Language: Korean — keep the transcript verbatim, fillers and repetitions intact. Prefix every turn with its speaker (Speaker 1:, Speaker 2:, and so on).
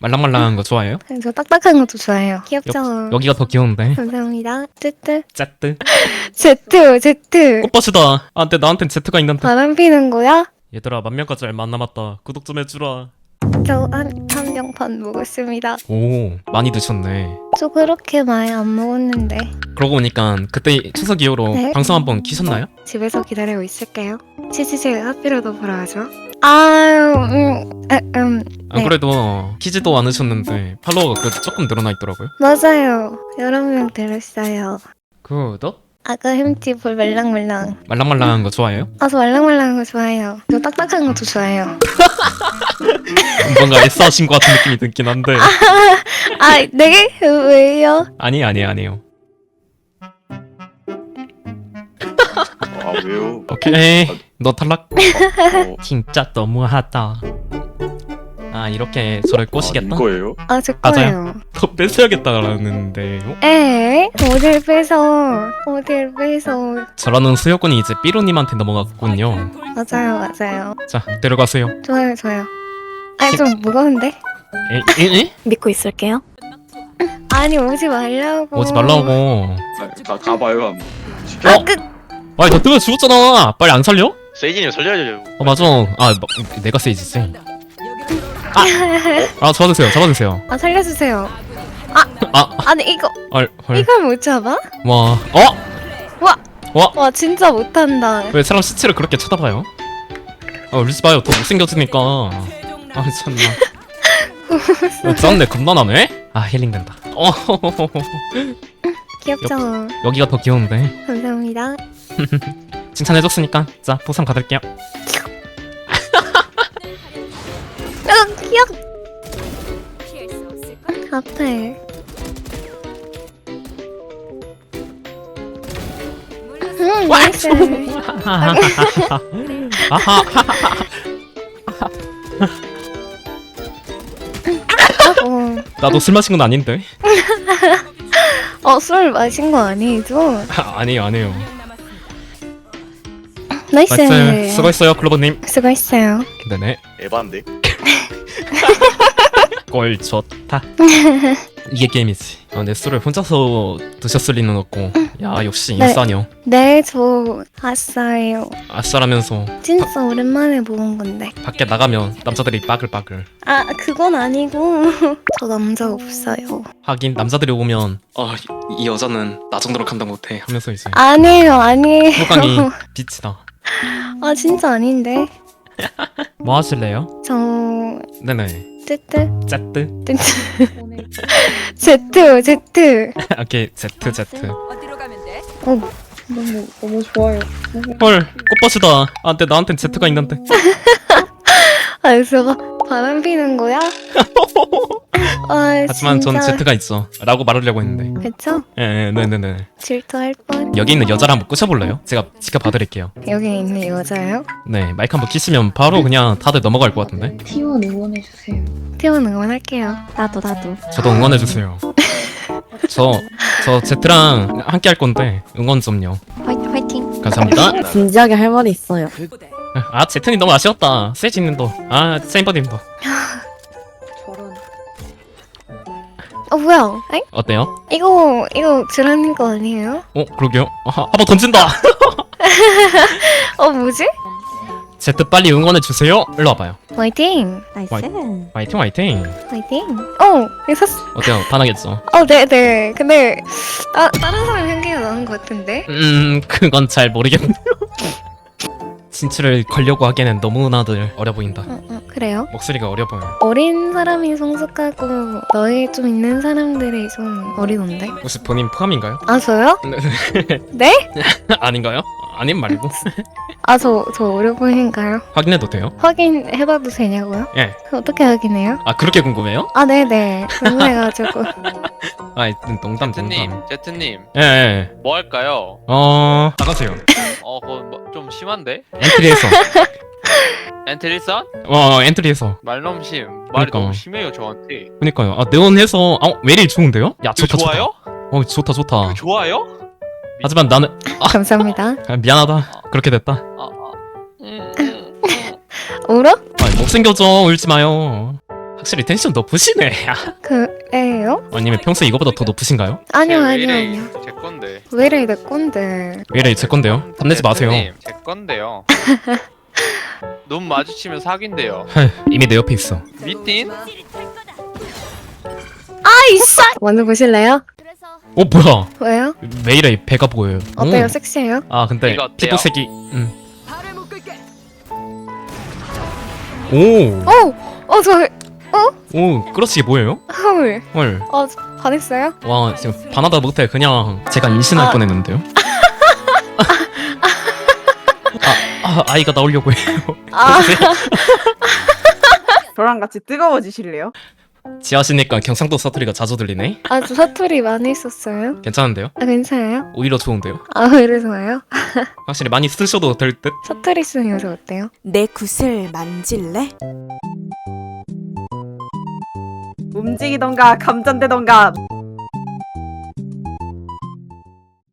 Speaker 1: 말랑말랑한 거 좋아해요?
Speaker 2: 저 딱딱한 것도 좋아해요. 귀엽죠?
Speaker 1: 여기가 더 귀여운데.
Speaker 2: 감사합니다. 뜨뜨.
Speaker 1: 짜뜨.
Speaker 2: 제트, 제트.
Speaker 1: 꽃밭이다. 아, 근데 나한텐 Z가 있는데.
Speaker 2: 바람 피는 거야?
Speaker 1: 얘들아, 만 명까지 얼마 안 남았다. 구독 좀 해주라.
Speaker 2: 저 한, 한 병 반 먹었습니다.
Speaker 1: 오, 많이 드셨네.
Speaker 2: 저 그렇게 많이 안 먹었는데.
Speaker 1: 그러고 보니까 그때 추석 이후로
Speaker 2: 네?
Speaker 1: 방송 한번 키셨나요?
Speaker 2: 집에서 기다리고 있을게요. 치치치 하피로도 보러 가죠. 아유, 음, 에, 음.
Speaker 1: 안
Speaker 2: 네.
Speaker 1: 그래도 키지도 않으셨는데 팔로워가 그래도 조금 늘어나 있더라고요.
Speaker 2: 맞아요. 여러 명 들었어요.
Speaker 1: 구독?
Speaker 2: 아까 햄찌 볼 말랑말랑.
Speaker 1: 말랑말랑한 거 좋아해요?
Speaker 2: 아, 저 말랑말랑한 거 좋아해요. 저 딱딱한 것도 좋아해요.
Speaker 1: 뭔가 애써하신 것 같은 느낌이 들긴 한데.
Speaker 2: 아, 네? 왜요?
Speaker 1: 아니 아니 아니에요.
Speaker 3: 아 왜요?
Speaker 1: 오케이. 너 탈락.
Speaker 3: 어,
Speaker 1: 진짜 너무하다. 아, 이렇게 저를
Speaker 3: 아,
Speaker 1: 꼬시겠다?
Speaker 3: 이거예요?
Speaker 2: 아, 제
Speaker 1: 맞아요.
Speaker 2: 거예요.
Speaker 1: 더 뺏어야겠다라는데요?
Speaker 2: 에? 어딜 뺏어? 어딜 뺏어?
Speaker 1: 저라는 수요군이 이제 삐로님한테 넘어갔군요.
Speaker 2: 맞아요, 맞아요.
Speaker 1: 자, 데려가세요.
Speaker 2: 좋아요, 좋아요. 아니, 좀 무거운데?
Speaker 1: 에? 에? 에?
Speaker 2: 믿고 있을게요. 아니, 오지 말라고.
Speaker 1: 오지 말라고.
Speaker 3: 가, 가봐요 한번. 시켜.
Speaker 2: 아, 그,
Speaker 1: 아니, 너 뜨면 죽었잖아. 빨리 안 살려?
Speaker 4: 세이지님 살려야죠.
Speaker 1: 어, 맞아. 아, 마, 내가 세이지지. 아, 아, 잡아주세요. 잡아주세요.
Speaker 2: 아, 살려주세요.
Speaker 1: 아,
Speaker 2: 아니, 이거,
Speaker 1: 헐, 헐.
Speaker 2: 이걸 못 잡아?
Speaker 1: 와, 어?
Speaker 2: 와,
Speaker 1: 와,
Speaker 2: 와, 진짜 못한다.
Speaker 1: 왜 사람 시체를 그렇게 쳐다봐요? 아, 울지 마요. 더 못생겨지니까. 아, 참나. 어, 짠네. 겁나나네? 아, 힐링된다. 어,
Speaker 2: 귀엽죠?
Speaker 1: 여기가 더 귀여운데.
Speaker 2: 감사합니다.
Speaker 1: 칭찬해줬으니까. 자, 보상 받을게요.
Speaker 2: 아, 귀엽. 앞에. 음, 나이스.
Speaker 1: 아하.
Speaker 2: 어,
Speaker 1: 나도 술 마신 건 아닌데.
Speaker 2: 어, 술 마신 거 아니죠?
Speaker 1: 아, 아니에요, 아니에요.
Speaker 2: 나이스.
Speaker 1: 나이스. 수고했어요, 클로버님.
Speaker 2: 수고했어요.
Speaker 1: 네네.
Speaker 3: 에반데?
Speaker 1: 꼴 좋다. 이게 게임이지. 아, 내 술을 혼자서 드셨을 리는 없고. 야, 역시
Speaker 2: 네.
Speaker 1: 인싸녀.
Speaker 2: 네, 저 아싸예요.
Speaker 1: 아싸라면서
Speaker 2: 진짜 오랜만에 모은 건데.
Speaker 1: 밖에 나가면 남자들이 빠글빠글.
Speaker 2: 아, 그건 아니고. 저 남자 없어요.
Speaker 1: 하긴 남자들이 오면 아, 이, 이 여자는 나 정도로 감당 못해 하면서 이제
Speaker 2: 아니에요, 아니에요.
Speaker 1: 호강이 빛이 나.
Speaker 2: 아, 진짜 아닌데.
Speaker 1: 뭐 하실래요?
Speaker 2: 저
Speaker 1: 네네.
Speaker 2: 뜨뜨
Speaker 1: 제트.
Speaker 2: 뜨뜨 제트 제트.
Speaker 1: 오케이, 제트 제트.
Speaker 5: 어디로 가면 돼?
Speaker 2: 어, 너무 너무 좋아요.
Speaker 1: 헐, 꽃밭이다. 아, 근데 나한텐 제트가 있는데.
Speaker 2: 아, 저거 바람 피는 거야? 아,
Speaker 1: 하지만 전
Speaker 2: 진짜.
Speaker 1: 제트가 있어 라고 말하려고 했는데.
Speaker 2: 그쵸?
Speaker 1: 예, 예, 네네네.
Speaker 2: 질투할 뻔.
Speaker 1: 여기 있는 여자를 한번 꼬셔볼래요? 제가 지켜봐드릴게요.
Speaker 2: 여기 있는 여자요?
Speaker 1: 네, 마이크 한번 키시면 바로 그냥 다들 넘어갈 것 같은데.
Speaker 6: 티원 응원해주세요.
Speaker 2: 태원 응원할게요. 나도 나도.
Speaker 1: 저도 응원해주세요. 저, 저 제트랑 함께 할 건데 응원 좀요.
Speaker 2: 화이, 화이팅.
Speaker 1: 감사합니다.
Speaker 6: 진지하게 할 말이 있어요.
Speaker 1: 아, 제트님 너무 아쉬웠다. 세이지님도, 아, 세인버님도.
Speaker 6: 저런.
Speaker 2: 어, 뭐야? 에?
Speaker 1: 어때요?
Speaker 2: 이거 이거 주라님 거 아니에요?
Speaker 1: 어, 그러게요. 아, 한번 던진다.
Speaker 2: 어, 뭐지?
Speaker 1: 제트 빨리 응원해주세요. 일로 와봐요.
Speaker 2: 화이팅.
Speaker 6: 나이스.
Speaker 1: 화이팅 화이팅.
Speaker 2: 화이팅. 어, 이거 샀.
Speaker 1: 어때요? 반하겠죠?
Speaker 2: 어, 네, 네. 근데 아, 다른 사람 향기가 나는 것 같은데.
Speaker 1: 음, 그건 잘 모르겠네요. 진출을 걸려고 하기에는 너무나들 어려 보인다.
Speaker 2: 어, 어, 그래요?
Speaker 1: 목소리가 어려 보여.
Speaker 2: 어린 사람이 성숙하고 너희 좀 있는 사람들이 좀 어리던데.
Speaker 1: 혹시 본인 포함인가요?
Speaker 2: 아, 저요?
Speaker 1: 네.
Speaker 2: 네?
Speaker 1: 아닌가요? 아님 말고.
Speaker 2: 아, 저, 저 어려 보이는가요?
Speaker 1: 확인해도 돼요?
Speaker 2: 확인해봐도 되냐고요?
Speaker 1: 예.
Speaker 2: 어떻게 확인해요?
Speaker 1: 아, 그렇게 궁금해요?
Speaker 2: 아, 네네. 궁금해가지고.
Speaker 1: 아, 농담
Speaker 4: 제트님,
Speaker 1: 농담.
Speaker 4: 제트님,
Speaker 1: 예, 예.
Speaker 4: 뭐 할까요?
Speaker 1: 어, 나가세요.
Speaker 4: 어, 그거 뭐, 좀 심한데?
Speaker 1: 엔트리에서.
Speaker 4: 엔트리선?
Speaker 1: 어, 엔트리에서.
Speaker 4: 말넘심. 말이
Speaker 1: 그러니까.
Speaker 4: 너무 심해요 저한테.
Speaker 1: 그니까요. 아, 네온해서. 아, 웨릴 좋은데요? 야,
Speaker 4: 이거
Speaker 1: 좋다, 좋다.
Speaker 4: 좋아요?
Speaker 1: 어, 좋다, 좋다.
Speaker 4: 이거 좋아요?
Speaker 1: 하지만 나는
Speaker 2: 감사합니다.
Speaker 1: 아, 미안하다. 그렇게 됐다.
Speaker 4: 아, 아. 음, 음, 음.
Speaker 2: 울어?
Speaker 1: 아, 못생겨져. 울지 마요. 확실히 텐션 높으시네.
Speaker 2: 그래요?
Speaker 1: 아니면 평소 이거보다 더 높으신가요?
Speaker 2: 아니요
Speaker 4: 왜
Speaker 2: 아니요
Speaker 4: 이래,
Speaker 2: 아니요.
Speaker 4: 제 건데.
Speaker 2: 왜 이래 내 꼰대.
Speaker 1: 왜 이래 제 건데요? 탐내지 마세요.
Speaker 4: 대표님, 제 건데요. 눈 마주치면 사귄대요.
Speaker 1: 헐, 이미 내 옆에 있어.
Speaker 4: 미팅?
Speaker 2: 아이씨. 먼저 보실래요?
Speaker 1: 어 뭐야?
Speaker 2: 왜요?
Speaker 1: 왜 이래 배가 보여요.
Speaker 2: 어때요?
Speaker 1: 오.
Speaker 2: 섹시해요?
Speaker 1: 아 근데
Speaker 4: 이거 어때요?
Speaker 1: 피부색이 음. 오,
Speaker 2: 어, 어, 저
Speaker 1: 오, 그렇지 뭐예요?
Speaker 2: 헐,
Speaker 1: 헐,
Speaker 2: 어, 반했어요?
Speaker 1: 와 지금 반하다 못해 그냥 제가 임신할
Speaker 2: 아.
Speaker 1: 뻔했는데요. 아, 아 아이가 나오려고 해요.
Speaker 2: 아,
Speaker 5: 저랑 같이 뜨거워지실래요?
Speaker 1: 지하시니까 경상도 사투리가 자주 들리네.
Speaker 2: 아, 저 사투리 많이 있었어요.
Speaker 1: 괜찮은데요?
Speaker 2: 아, 괜찮아요?
Speaker 1: 오히려 좋은데요?
Speaker 2: 아, 왜 이래서요?
Speaker 1: 확실히 많이 쓰셔도 될 듯.
Speaker 2: 사투리 쓰는 여자 어때요?
Speaker 7: 내 굿을 만질래?
Speaker 5: 움직이던가 감전되던가